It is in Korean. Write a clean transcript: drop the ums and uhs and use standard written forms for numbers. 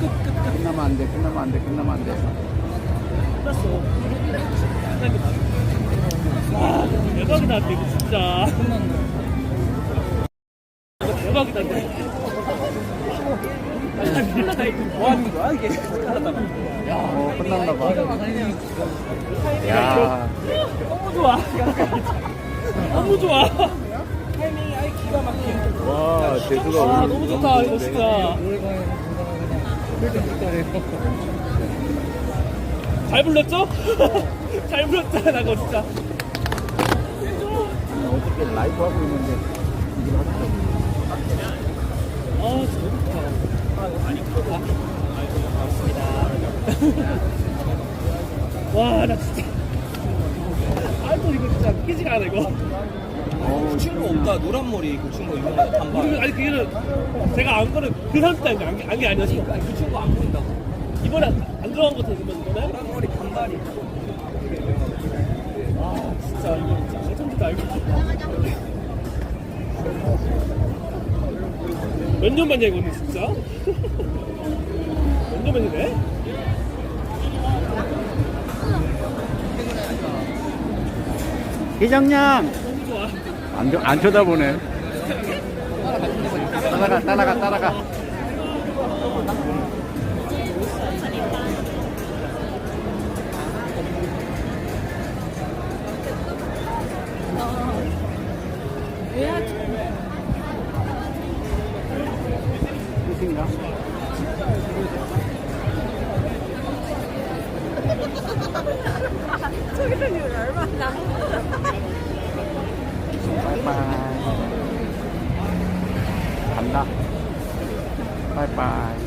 끝나면 안 돼, 끝나면 안 돼, 끝나면 안 돼. 끝났어. 와, 대박이다, 이거 진짜. 이거 대박이다, 이거. 뭐 하는 거야, 이게? 끝났나 봐. 야, 너무 좋아. 너무 좋아. 타이밍이 아예 기가 막혀. 와, 재수가 와, 오늘 너무 좋다, 이거 진짜. 잘 불렀죠? 잘 불렀잖아, 이거 진짜. 어떻게 라이브 하고 있는데 이걸 하는 아, 진짜 너무 좋다. 많이 풀었다. 고맙습니다. 와, 나 진짜. 아이고, 이거 진짜 웃기지가 않아, 이거. 그 친구 없다. 노란 머리 그 친구 유명한 단발. 아니, 그게는 제가 안 거는 그 사람 때 안게 아니었어. 그 친구 안 보인다고. 이번에 안 들어간 것 같아, 그러면 이번에? 노란 머리 단발이. 아, 진짜, 이거 진짜 당첨됐다, 이거. 몇 년 만이야, 이거는 진짜? 몇 년 만이네? 회장님! 너무 좋아. 안 쳐다보네. 따라가. 끝인가? 저기서 얼마나 바이바이. 간다. 바이바이.